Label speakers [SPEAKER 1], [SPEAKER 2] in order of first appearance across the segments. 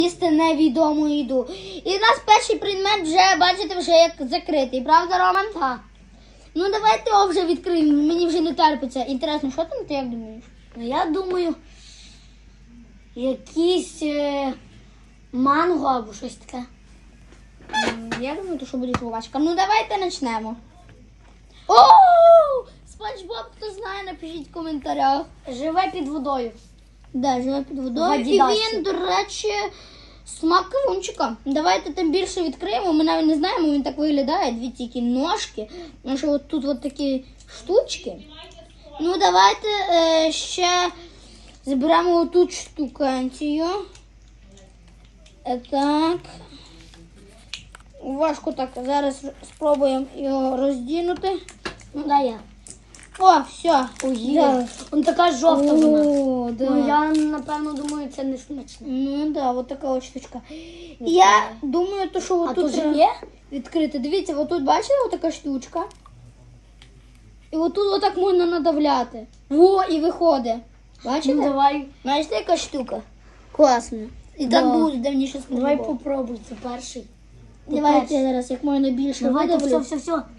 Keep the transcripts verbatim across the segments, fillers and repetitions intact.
[SPEAKER 1] їсти невідому їду. І в нас перший предмет вже, бачите, вже як закритий. Правда, Роман?
[SPEAKER 2] Так.
[SPEAKER 1] Ну давайте його вже відкриємо. Мені вже не терпиться. Інтересно, що там ти як думаєш?
[SPEAKER 2] Ну, я думаю, якийсь е, манго або щось таке.
[SPEAKER 1] М, Я думаю, то що буде жвачка. Ну давайте почнемо. О! Спанч Боб, хто знає, напишіть в коментарях.
[SPEAKER 2] Живе під водою.
[SPEAKER 1] Да, живе під водою.
[SPEAKER 2] В
[SPEAKER 1] І
[SPEAKER 2] Адідасі.
[SPEAKER 1] він, до речі, смак кавунчика. Давайте тим більше відкриємо. Ми навіть не знаємо, він так виглядає. Дві тільки ножки. Ну що от тут от такі штучки. Ну давайте е, ще зберемо отут штуканцію. Е, так. Важко так. Зараз спробуємо його роздінути.
[SPEAKER 2] Ну, дай я.
[SPEAKER 1] О, все.
[SPEAKER 2] Ой, вона така жовта вона.
[SPEAKER 1] О, да.
[SPEAKER 2] Ну, я, напевно, думаю, це не смачно.
[SPEAKER 1] Ну да, от така от штучка. І я думаю, то, що
[SPEAKER 2] А
[SPEAKER 1] отут
[SPEAKER 2] тут же
[SPEAKER 1] треба
[SPEAKER 2] є?
[SPEAKER 1] відкрити. Дивіться, отут бачите, отака штучка. І отут отак можна надавляти. Во, і виходить. Бачите?
[SPEAKER 2] Ну, давай.
[SPEAKER 1] Бачите, яка штука? Класно. І так
[SPEAKER 2] Да.
[SPEAKER 1] буде давніше
[SPEAKER 2] Давай
[SPEAKER 1] спробував.
[SPEAKER 2] попробуй, це перший. Ти
[SPEAKER 1] Давайте
[SPEAKER 2] перший.
[SPEAKER 1] я зараз як можна більше
[SPEAKER 2] Давайте,
[SPEAKER 1] видавлю.
[SPEAKER 2] все, все, все.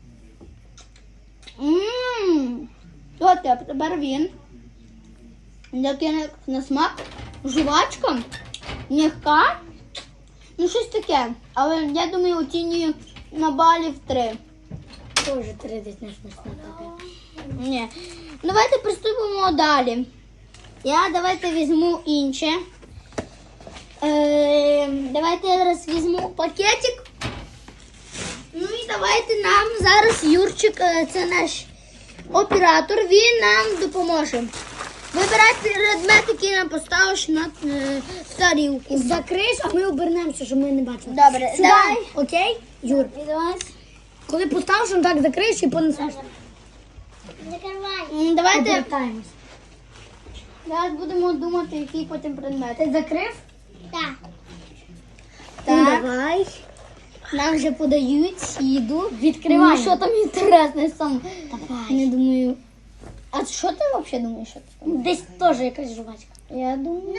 [SPEAKER 1] Ммм. От а тепер він. Який на, на смак. Жувачка. М'яка. Ну щось таке. Але я думаю, оцінюю на балів три.
[SPEAKER 2] Тоже три десь не смачно.
[SPEAKER 1] Ні. Давайте приступимо далі. Я давайте візьму інше. Е, давайте я зараз візьму пакетик. Ну і давайте нам зараз Юрчик, е, це наш оператор, він нам допоможе. Вибирай предмет, який нам поставиш на е, в тарілку.
[SPEAKER 2] Закриш, а ми обернемося, щоб ми не бачили.
[SPEAKER 1] Добре,
[SPEAKER 2] Сюди.
[SPEAKER 1] давай.
[SPEAKER 2] Окей? Юр,
[SPEAKER 1] Давай.
[SPEAKER 2] коли поставиш, он так закриєш і понесеш.
[SPEAKER 1] М, Давайте
[SPEAKER 2] Обертаємось.
[SPEAKER 1] зараз будемо думати, який потім предмет.
[SPEAKER 2] Ти закрив?
[SPEAKER 1] Так.
[SPEAKER 2] Ну,
[SPEAKER 1] Так.
[SPEAKER 2] давай.
[SPEAKER 1] Нам вже подають їду.
[SPEAKER 2] Відкриваємо.
[SPEAKER 1] Ну, що там інтересне сам.
[SPEAKER 2] Давай.
[SPEAKER 1] Не думаю. А що ти взагалі думаєш? Що це там?
[SPEAKER 2] Десь теж якась жувачка.
[SPEAKER 1] Я думаю.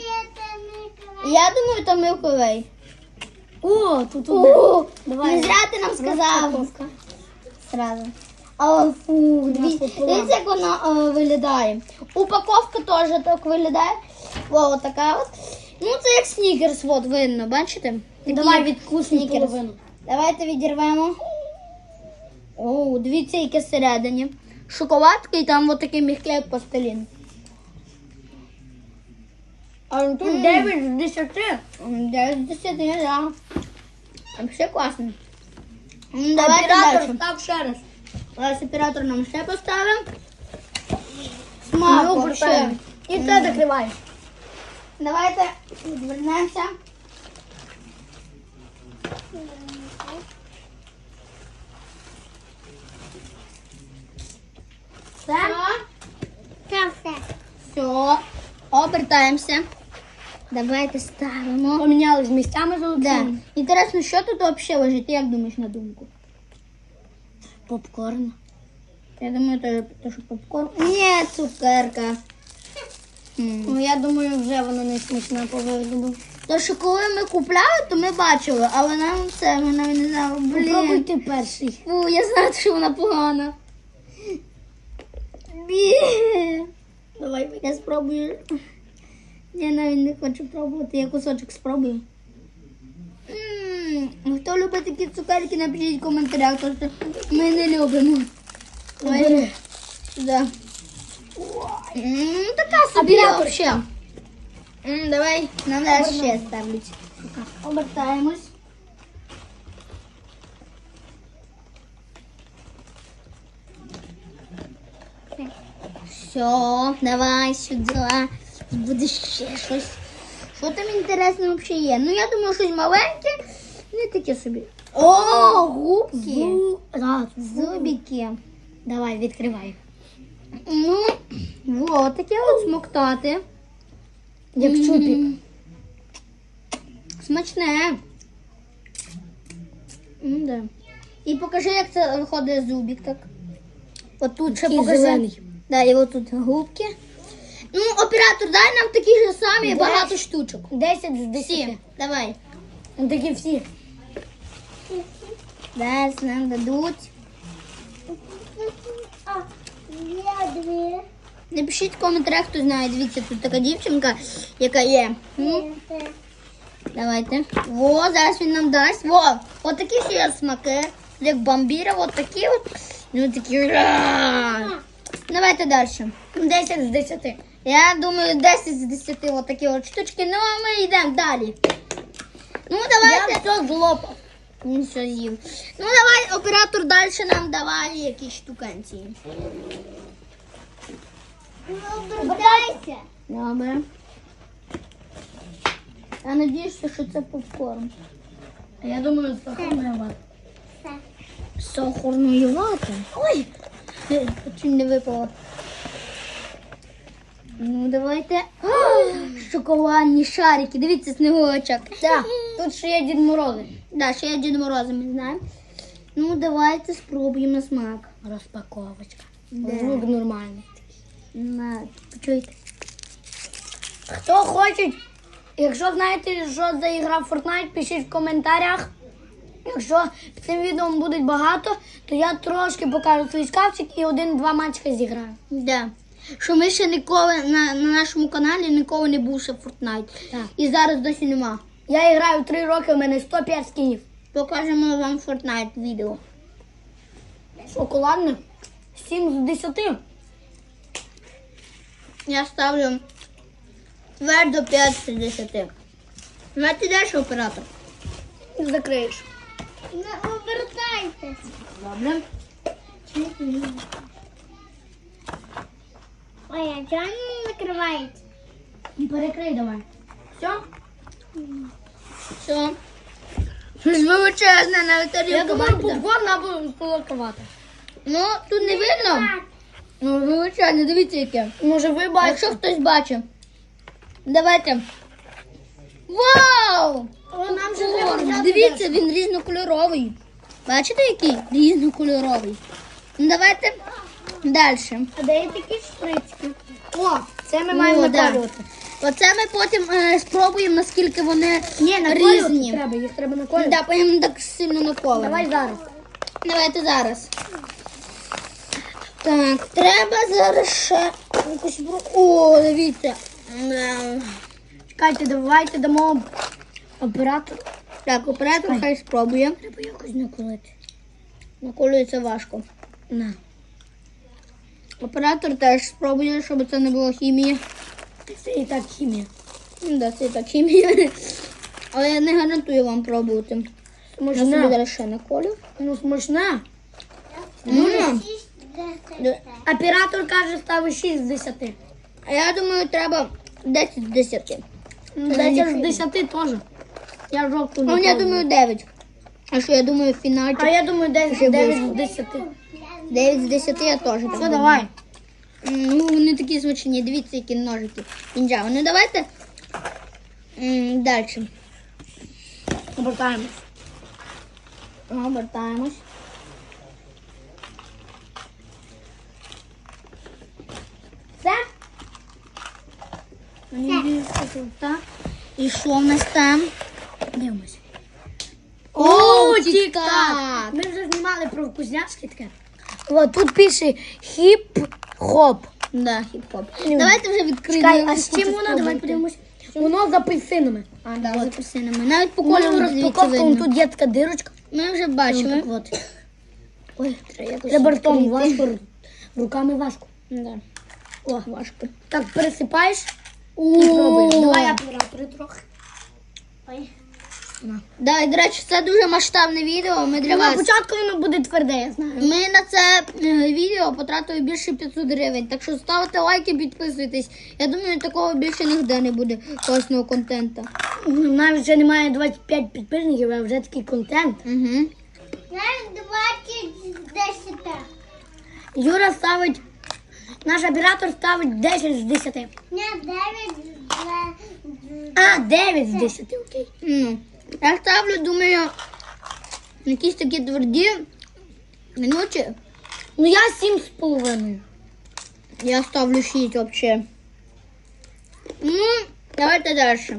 [SPEAKER 1] Я думаю, то Милковий.
[SPEAKER 2] О, тут одне.
[SPEAKER 1] О,
[SPEAKER 2] Давай.
[SPEAKER 1] не зря ти нам сказав.
[SPEAKER 2] Розпаковка.
[SPEAKER 1] Сразу. А, фу,
[SPEAKER 2] нас
[SPEAKER 1] диві-
[SPEAKER 2] пополам.
[SPEAKER 1] дивіться, як вона е, виглядає. Упаковка теж так виглядає. О, така от. Ну, це як снікерс, от видно, бачите? Такі
[SPEAKER 2] Давай відкусимо
[SPEAKER 1] снікерс.
[SPEAKER 2] половину.
[SPEAKER 1] Давайте відірвемо. О, дивіться, яке всередині. Шоколадка і там от такий м'який як пластилін.
[SPEAKER 2] А тут
[SPEAKER 1] М.
[SPEAKER 2] дев'ять з десяти.
[SPEAKER 1] М, дев'ять з десяти, да. Все класно. М, Давайте
[SPEAKER 2] Оператор,
[SPEAKER 1] далі.
[SPEAKER 2] став ще раз.
[SPEAKER 1] Ось оператор нам ще поставив.
[SPEAKER 2] Ми
[SPEAKER 1] Смак
[SPEAKER 2] обертаємо.
[SPEAKER 1] вообще.
[SPEAKER 2] І це закриваєш.
[SPEAKER 1] Давайте відвернемося. Все. Все. Обертаємося. Давайте ставимо.
[SPEAKER 2] Помінялись місцями
[SPEAKER 1] Да.
[SPEAKER 2] золотими.
[SPEAKER 1] Інтересно, що тут взагалі лежить? Ти як думаєш на думку?
[SPEAKER 2] Попкорн.
[SPEAKER 1] Я думаю, то, то що попкорн. Ні, цукерка. М.
[SPEAKER 2] Ну, я думаю, вже воно не смачне по вигляду.
[SPEAKER 1] То, що коли ми купляли, то ми бачили, але нам це, ми навіть не знали.
[SPEAKER 2] Попробуй
[SPEAKER 1] Блін.
[SPEAKER 2] ти перший.
[SPEAKER 1] Фу, я знаю, що вона погана. Бі. Давай, я спробую. Я навіть не хочу пробувати, я кусочок спробую. М, Хто любить такі цукерки, напишіть в коментарях, тому що ми не любимо.
[SPEAKER 2] Бери.
[SPEAKER 1] Да. М, Така собі
[SPEAKER 2] Оператор.
[SPEAKER 1] взагалі. М, Давай, нам зараз ще ставлять. Обертаємось. Все, давай сюди. Буде ще щось. Що там інтересне взагалі є? Ну, я думаю, щось маленьке, не таке собі. О, губки.
[SPEAKER 2] Зу... Да,
[SPEAKER 1] Зубики.
[SPEAKER 2] Давай, відкривай.
[SPEAKER 1] Ну, вот таке от смоктати.
[SPEAKER 2] Як
[SPEAKER 1] М.
[SPEAKER 2] чупік.
[SPEAKER 1] Смачне. М, да. І покажи, як це виходить зубик так. От тут ще
[SPEAKER 2] Такий
[SPEAKER 1] покажи.
[SPEAKER 2] зелений.
[SPEAKER 1] Да, і от тут губки. Ну, оператор, дай нам такі ж самі
[SPEAKER 2] Десять.
[SPEAKER 1] багато штучок.
[SPEAKER 2] десять з десяти.
[SPEAKER 1] Всі, давай.
[SPEAKER 2] Ну, такі всі.
[SPEAKER 1] Десь нам дадуть. Напишіть в коментарях, хто знає. Дивіться, тут така дівчинка, яка є. М? Давайте. Во, зараз він нам дасть. Во, от такі ще є смаки. Як бомбіра, от такі от. Ну такі. Ра! Давайте далі.
[SPEAKER 2] десять з десяти.
[SPEAKER 1] Я думаю, десять з десяти от такі от штучки. Ну, а ми йдемо далі. Ну, давайте.
[SPEAKER 2] Я все злопав.
[SPEAKER 1] Він все з'їв. Ну, давай, оператор далі нам давай якісь штуканці.
[SPEAKER 2] Обертайся.
[SPEAKER 1] Добре. Я надіюся, що це попкорн.
[SPEAKER 2] Я думаю, сахарна вата.
[SPEAKER 1] Сахарної вати. Ой, чуть не випало. Ну, давайте. О, шоколадні шарики. Дивіться, сніговичок.
[SPEAKER 2] Так, тут ще є Дід Морози.
[SPEAKER 1] Да, ще є Дід Мороза, ми знаємо. Ну, давайте спробуємо на смак.
[SPEAKER 2] Розпаковочка.
[SPEAKER 1] Да.
[SPEAKER 2] Звук нормальний.
[SPEAKER 1] На, почуйте.
[SPEAKER 2] Хто хоче, якщо знаєте, що за ігра в Fortnite, пишіть в коментарях. Якщо під цим відео буде багато, то я трошки покажу свій шкафчик і один-два матчика зіграю.
[SPEAKER 1] Да. Що ми ще ніколи на, на нашому каналі ніколи не був ще в Fortnite.
[SPEAKER 2] Так.
[SPEAKER 1] І зараз досі нема.
[SPEAKER 2] Я граю три роки, у мене сто п'ять скінів.
[SPEAKER 1] Покажемо вам Fortnite відео.
[SPEAKER 2] Шоколадне сім з десяти.
[SPEAKER 1] Я ставлю твердо п'ять з десяти. Давайте далі, оператор.
[SPEAKER 2] Закриєш.
[SPEAKER 1] Не обертайтесь.
[SPEAKER 2] Добре.
[SPEAKER 1] Ой, а чого не накривається?
[SPEAKER 2] Перекрий давай. Все?
[SPEAKER 1] Все. Щось величезне на
[SPEAKER 2] Я
[SPEAKER 1] тарілку.
[SPEAKER 2] думаю,
[SPEAKER 1] бачите?
[SPEAKER 2] попкорн або солодковато.
[SPEAKER 1] Ну, тут не видно. Ну, величезне, дивіться яке.
[SPEAKER 2] Може ви
[SPEAKER 1] А
[SPEAKER 2] бачите?
[SPEAKER 1] якщо хтось бачить. Давайте. Вау!
[SPEAKER 2] Нам же
[SPEAKER 1] О,
[SPEAKER 2] треба взяти
[SPEAKER 1] дивіться, він різнокольоровий. Бачите, який? Різнокольоровий. Ну, давайте далі.
[SPEAKER 2] А де є такі шприцьки? О, це ми
[SPEAKER 1] О,
[SPEAKER 2] маємо
[SPEAKER 1] да.
[SPEAKER 2] наколювати.
[SPEAKER 1] Оце ми потім е, спробуємо, наскільки вони
[SPEAKER 2] Ні, наколювати
[SPEAKER 1] різні.
[SPEAKER 2] треба, їх треба наколювати.
[SPEAKER 1] Да, потім так сильно наколимо.
[SPEAKER 2] Давай зараз.
[SPEAKER 1] Давайте зараз. Так, треба зараз ще якусь... бру- О, дивіться. Ем,
[SPEAKER 2] Чекайте, давайте дамо оператору.
[SPEAKER 1] Так, оператор хай спробує.
[SPEAKER 2] Треба якось наколити.
[SPEAKER 1] Наколюється важко.
[SPEAKER 2] На.
[SPEAKER 1] Оператор теж спробує, щоб це не було хімії.
[SPEAKER 2] Це і так хімія.
[SPEAKER 1] Ну, да, це і так хімія. Але я не гарантую вам пробувати. Я собі
[SPEAKER 2] Смачне.
[SPEAKER 1] зараз ще наколю.
[SPEAKER 2] Ну, смачне.
[SPEAKER 1] М.
[SPEAKER 2] Оператор каже, ставить шість з десяти.
[SPEAKER 1] А я думаю, треба десять з десяти.
[SPEAKER 2] десять з десяти теж. Я жовту не
[SPEAKER 1] Ну, я
[SPEAKER 2] пробую.
[SPEAKER 1] думаю, дев'ять. А що, я думаю, в фіналі
[SPEAKER 2] А я думаю,
[SPEAKER 1] Ще
[SPEAKER 2] дев'ять з
[SPEAKER 1] близько.
[SPEAKER 2] десяти.
[SPEAKER 1] дев'ять з десяти я теж. так
[SPEAKER 2] Все,
[SPEAKER 1] думаю.
[SPEAKER 2] давай.
[SPEAKER 1] Ну, вони такі смачні. Дивіться, які ножики. Інжави. Ну, давайте далі.
[SPEAKER 2] Обертаємось.
[SPEAKER 1] Обертаємось.
[SPEAKER 2] Все?
[SPEAKER 1] Так. І що в нас там?
[SPEAKER 2] Дивимося.
[SPEAKER 1] О,
[SPEAKER 2] Тік-так.
[SPEAKER 1] тік-так.
[SPEAKER 2] Ми вже знімали про вкусняшки таке. О, тут пише хіп-хоп.
[SPEAKER 1] Да, хіп-хоп.
[SPEAKER 2] Ну.
[SPEAKER 1] Давайте вже відкриємо.
[SPEAKER 2] Чекай, а з чим воно? Давай подивимось. Воно з апельсинами.
[SPEAKER 1] А, да, з апельсинами. Навіть по
[SPEAKER 2] По
[SPEAKER 1] кольору
[SPEAKER 2] кольору
[SPEAKER 1] звідси
[SPEAKER 2] розпаковка, вон
[SPEAKER 1] видно.
[SPEAKER 2] тут є така дирочка.
[SPEAKER 1] Ми вже
[SPEAKER 2] Ну,
[SPEAKER 1] бачили.
[SPEAKER 2] так от.
[SPEAKER 1] Ой, треба якось
[SPEAKER 2] Треба ртом
[SPEAKER 1] відкрити.
[SPEAKER 2] важко, руками важко.
[SPEAKER 1] Да.
[SPEAKER 2] О,
[SPEAKER 1] Важко.
[SPEAKER 2] так пересипаєш
[SPEAKER 1] О,
[SPEAKER 2] і пробуєш. Давай оператори трохи. Ой.
[SPEAKER 1] Да, і, до речі, це дуже масштабне відео. Ми для
[SPEAKER 2] На
[SPEAKER 1] вас.
[SPEAKER 2] початку воно буде тверде, я знаю.
[SPEAKER 1] Ми на це е, відео потратили більше п'ятсот гривень. Так що ставте лайки, підписуйтесь. Я думаю, такого більше ніде не буде класного контенту.
[SPEAKER 2] Ну, навіть вже немає двадцять п'ять підписників, а вже такий контент.
[SPEAKER 1] Угу.
[SPEAKER 3] двадцять з десяти.
[SPEAKER 2] Юра ставить, наш оператор ставить десять з десяти.
[SPEAKER 3] Не, дев'ять з
[SPEAKER 2] А, дев'ять з десяти, окей.
[SPEAKER 1] Ну, я ставлю, думаю, якісь такі тверді минуті.
[SPEAKER 2] Ну я сім з половиною.
[SPEAKER 1] Я ставлю шість взагалі. Ну, давайте дальше.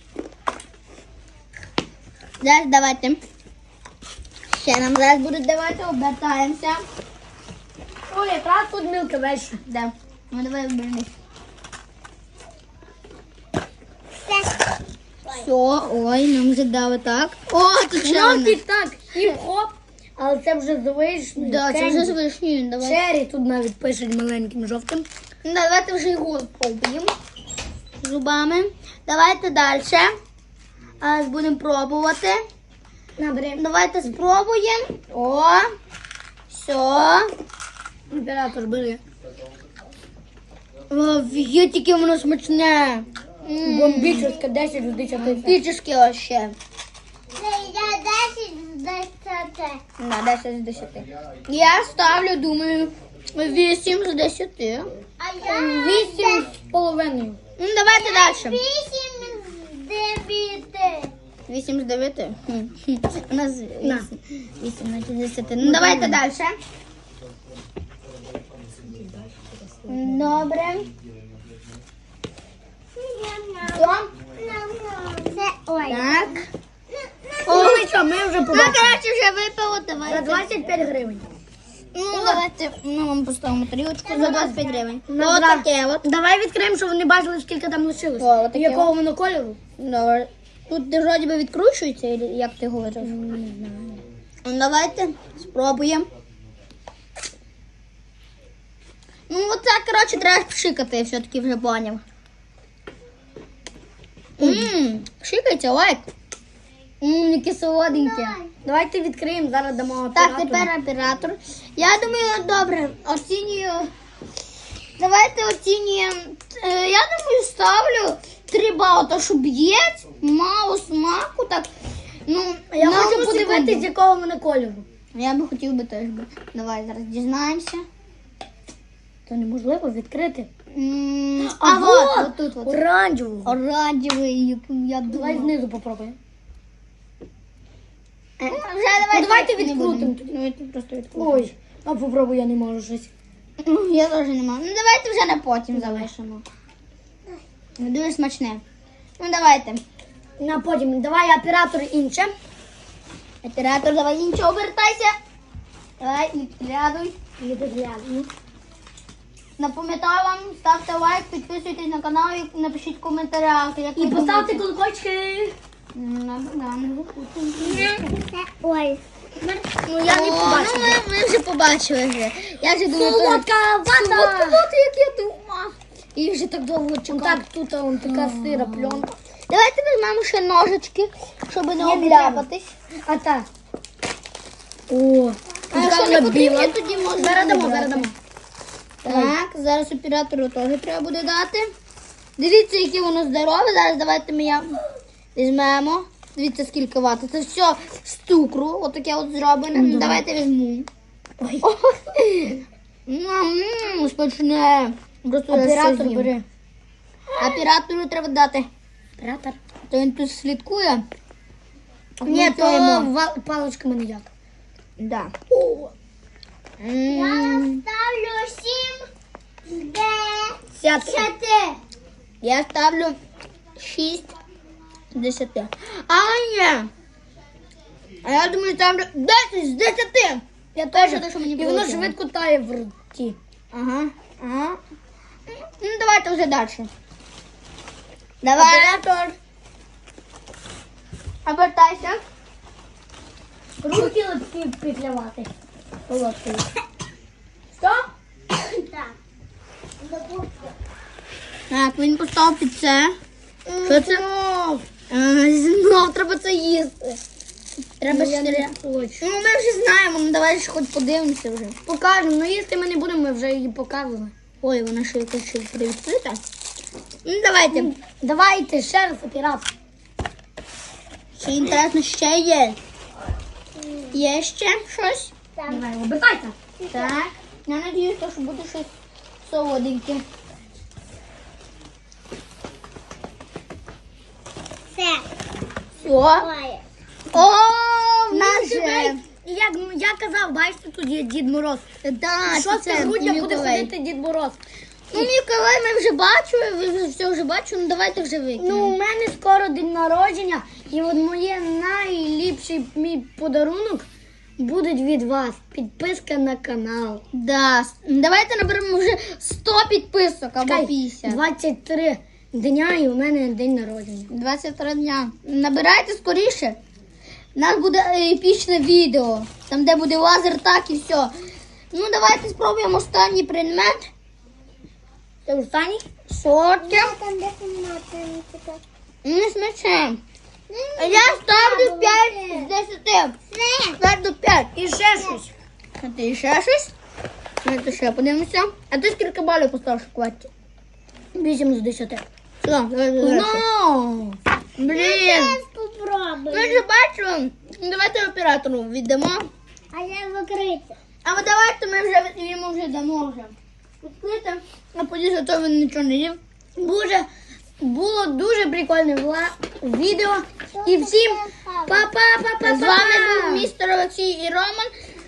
[SPEAKER 1] Зараз давайте. Ще нам зараз будуть давати, обертаємося.
[SPEAKER 2] Ой, якраз тут мілка веща.
[SPEAKER 1] Да. Ну давай обернись. Все, ой, нам вже дали так. О, тут ще
[SPEAKER 2] Ну,
[SPEAKER 1] одна.
[SPEAKER 2] ти так, хіп-хоп, але це вже з вишнею.
[SPEAKER 1] Да, це
[SPEAKER 2] кенді.
[SPEAKER 1] вже з вишнею, давай.
[SPEAKER 2] Чері тут навіть пишуть маленьким жовтим.
[SPEAKER 1] Ну, давайте вже його пробуємо зубами. Давайте далі. А, будемо пробувати.
[SPEAKER 2] Набери.
[SPEAKER 1] Давайте спробуємо. О, все.
[SPEAKER 2] Оператор бери.
[SPEAKER 1] Офігеть, яке воно смачне.
[SPEAKER 2] Бомбічське десять з десяти.
[SPEAKER 1] Бомбічне вообще.
[SPEAKER 3] Це я десять з десяти.
[SPEAKER 1] На десять з десяти. Я ставлю, думаю, вісім з десяти.
[SPEAKER 3] А я
[SPEAKER 2] Вісім з половиною.
[SPEAKER 1] Ну, давайте далі.
[SPEAKER 3] вісім з дев'яти.
[SPEAKER 1] вісім з дев'яти. Хм, хм. У нас
[SPEAKER 2] На.
[SPEAKER 1] вісім. вісім з десяти. Ну, давайте далі. Добре. Що?
[SPEAKER 3] Це ой.
[SPEAKER 1] Так.
[SPEAKER 2] О, ну що, ми вже
[SPEAKER 1] Ну,
[SPEAKER 2] побачили.
[SPEAKER 1] коротше, вже випало,
[SPEAKER 2] За
[SPEAKER 1] давайте.
[SPEAKER 2] двадцять п'ять гривень.
[SPEAKER 1] Ну, давайте, ну, вам поставимо тарілочку за двадцять п'ять гривень.
[SPEAKER 2] Ну,
[SPEAKER 1] Ось
[SPEAKER 2] зра-
[SPEAKER 1] таке от.
[SPEAKER 2] Давай відкриємо, щоб вони бачили, скільки там лишилось.
[SPEAKER 1] О, отаке
[SPEAKER 2] І якого
[SPEAKER 1] от.
[SPEAKER 2] воно кольору?
[SPEAKER 1] Добре. Тут де вроді би відкручується, или як ти говориш? Не знаю. Ну, давайте спробуємо. Ну, оце, коротше, треба пшикати, я все-таки вже поняв. Ммм, пшикайте, лайк. Ммм, яке солоденьке.
[SPEAKER 2] Давайте відкриємо, зараз дамо
[SPEAKER 1] Так,
[SPEAKER 2] оператору.
[SPEAKER 1] тепер оператор. Я думаю, добре, оцінюю. Давайте оцінюємо. Е, Я думаю, ставлю три бали, то що б'єць, мало смаку, так. Ну,
[SPEAKER 2] Я
[SPEAKER 1] на
[SPEAKER 2] хочу
[SPEAKER 1] одну
[SPEAKER 2] подивитись,
[SPEAKER 1] секунду.
[SPEAKER 2] якого воно кольору.
[SPEAKER 1] Я би хотів би теж би. Давай зараз дізнаємося.
[SPEAKER 2] Це неможливо відкрити.
[SPEAKER 1] М,
[SPEAKER 2] А,
[SPEAKER 1] А,
[SPEAKER 2] вот,
[SPEAKER 1] от, от тут от.
[SPEAKER 2] оранжевого.
[SPEAKER 1] Оранжевий, який я
[SPEAKER 2] Давай
[SPEAKER 1] думаю.
[SPEAKER 2] знизу попробуємо.
[SPEAKER 1] Е, Вже давайте,
[SPEAKER 2] Ну, давайте
[SPEAKER 1] не
[SPEAKER 2] відкрутимо.
[SPEAKER 1] будемо. Давайте просто відкрутимо.
[SPEAKER 2] Ой, а попробуй, я не можу щось.
[SPEAKER 1] Ну, я теж не можу. Ну давайте вже на потім залишимо. Ну, дуже смачне. Ну давайте.
[SPEAKER 2] На потім, давай оператор інше.
[SPEAKER 1] Оператор, давай інше обертайся. Давай, відглядуй.
[SPEAKER 2] Відгляну.
[SPEAKER 1] Напам'ятаю вам, ставте лайк, підписуйтесь на канал і напишіть в коментарях. Як
[SPEAKER 2] І
[SPEAKER 1] ви
[SPEAKER 2] поставте
[SPEAKER 1] думаєте.
[SPEAKER 2] колокольчики.
[SPEAKER 1] Ну, да, не забудьте.
[SPEAKER 3] Це ой.
[SPEAKER 2] Ну, я не
[SPEAKER 1] О,
[SPEAKER 2] побачила.
[SPEAKER 1] Ну, ми, ми вже побачили вже. Я вже думаю,
[SPEAKER 2] Солодка вата.
[SPEAKER 1] Солодка вата, як я думала. І вже так довго
[SPEAKER 2] Ну,
[SPEAKER 1] чекав.
[SPEAKER 2] так, тут он така сира пленка.
[SPEAKER 1] Давайте візьмемо ще ножички, щоб не
[SPEAKER 2] не
[SPEAKER 1] обляпатись.
[SPEAKER 2] А так. О,
[SPEAKER 1] А якщо не потрібно, тоді можна.
[SPEAKER 2] Зараз дамо,
[SPEAKER 1] не
[SPEAKER 2] зараз
[SPEAKER 1] брати.
[SPEAKER 2] дамо.
[SPEAKER 1] Так, зараз оператору теж треба буде дати. Дивіться, яке воно здорове. Зараз давайте ми я візьмемо. Дивіться, скільки вати. Це все з цукру. Отаке от зроблене. Давайте візьму. Ммм, смачне. Просто я
[SPEAKER 2] Оператор
[SPEAKER 1] все з'їм.
[SPEAKER 2] бери.
[SPEAKER 1] Оператору треба дати.
[SPEAKER 2] Оператор.
[SPEAKER 1] То він тут слідкує.
[SPEAKER 2] Ні,
[SPEAKER 1] Ну,
[SPEAKER 2] то
[SPEAKER 1] йому.
[SPEAKER 2] ва- паличками ніяк.
[SPEAKER 1] Да.
[SPEAKER 3] Я
[SPEAKER 1] М,
[SPEAKER 3] ставлю сім з
[SPEAKER 2] Сядьте.
[SPEAKER 3] десяти.
[SPEAKER 1] Я ставлю шість з десяти. А, ні. А я думаю, ставлю десять з десяти.
[SPEAKER 2] Я теж.
[SPEAKER 1] те, що мені
[SPEAKER 2] І воно
[SPEAKER 1] полетіло.
[SPEAKER 2] швидко тає в роті.
[SPEAKER 1] Ага, ага. Ну, давайте вже далі. Давай.
[SPEAKER 2] Оператор.
[SPEAKER 1] Обертайся.
[SPEAKER 2] Руки липкі петлявати. Солодкою. Що?
[SPEAKER 3] Так.
[SPEAKER 1] Так, він поставив під це. Що це? А, знов треба це їсти. Треба
[SPEAKER 2] Ну, я
[SPEAKER 1] ще.
[SPEAKER 2] не хочу.
[SPEAKER 1] Ну, ми вже знаємо, ну давай ж хоч подивимося вже.
[SPEAKER 2] Покажемо, ну їсти ми не будемо, ми вже її показували.
[SPEAKER 1] Ой, вона ще якась ще привідкрита. Ну, давайте.
[SPEAKER 2] Давайте ще раз оператор.
[SPEAKER 1] Ще інтересно, ще є. Є ще щось?
[SPEAKER 2] Давай, обертайся.
[SPEAKER 1] Так. Я надіюсь, що буде щось солоденьке.
[SPEAKER 3] Це.
[SPEAKER 1] Все.
[SPEAKER 3] Ой.
[SPEAKER 1] О, в нас же.
[SPEAKER 2] І як я казав, бачите, тут є Дід Мороз.
[SPEAKER 1] Да,
[SPEAKER 2] Шосте грудня буде
[SPEAKER 1] Миколай.
[SPEAKER 2] ходити Дід Мороз.
[SPEAKER 1] Ну, Миколай, ми вже бачили, ви вже все вже бачили, ну давайте вже
[SPEAKER 2] Ну,
[SPEAKER 1] викинемо.
[SPEAKER 2] у мене скоро день народження, і от моє найліпший мій подарунок буде від вас. Підписка на канал.
[SPEAKER 1] Да, с- давайте наберемо вже сто підписок або
[SPEAKER 2] Чекай,
[SPEAKER 1] п'ятдесят.
[SPEAKER 2] двадцять три дня і у мене день народження.
[SPEAKER 1] двадцять три дня. Набирайте скоріше. У нас буде епічне відео, там де буде лазер, так і все. Ну, давайте спробуємо останній предмет.
[SPEAKER 2] Це останній?
[SPEAKER 1] Сотки.
[SPEAKER 3] Там де кімната.
[SPEAKER 1] Не смачне. Я ставлю п'ять з десяти. п'ять до п'ять.
[SPEAKER 2] І ще щось.
[SPEAKER 1] А ти ще щось? Давайте ще подивимося. А ти скільки балів поставиш в кваті?
[SPEAKER 2] Вісім з десяти.
[SPEAKER 1] Все, давай далі.
[SPEAKER 2] Ну,
[SPEAKER 1] Блін.
[SPEAKER 3] Попробуй.
[SPEAKER 1] Ми вже бачили. Давайте оператору віддамо.
[SPEAKER 3] А я закрити.
[SPEAKER 1] А от давайте ми вже йому вже дамо вже. Відкрити. А подивіться, то він нічого не їв.
[SPEAKER 2] Дуже, було дуже прикольне вла- відео. І всім па-па-па-па-па.
[SPEAKER 1] З вами був містер Олексій і Роман.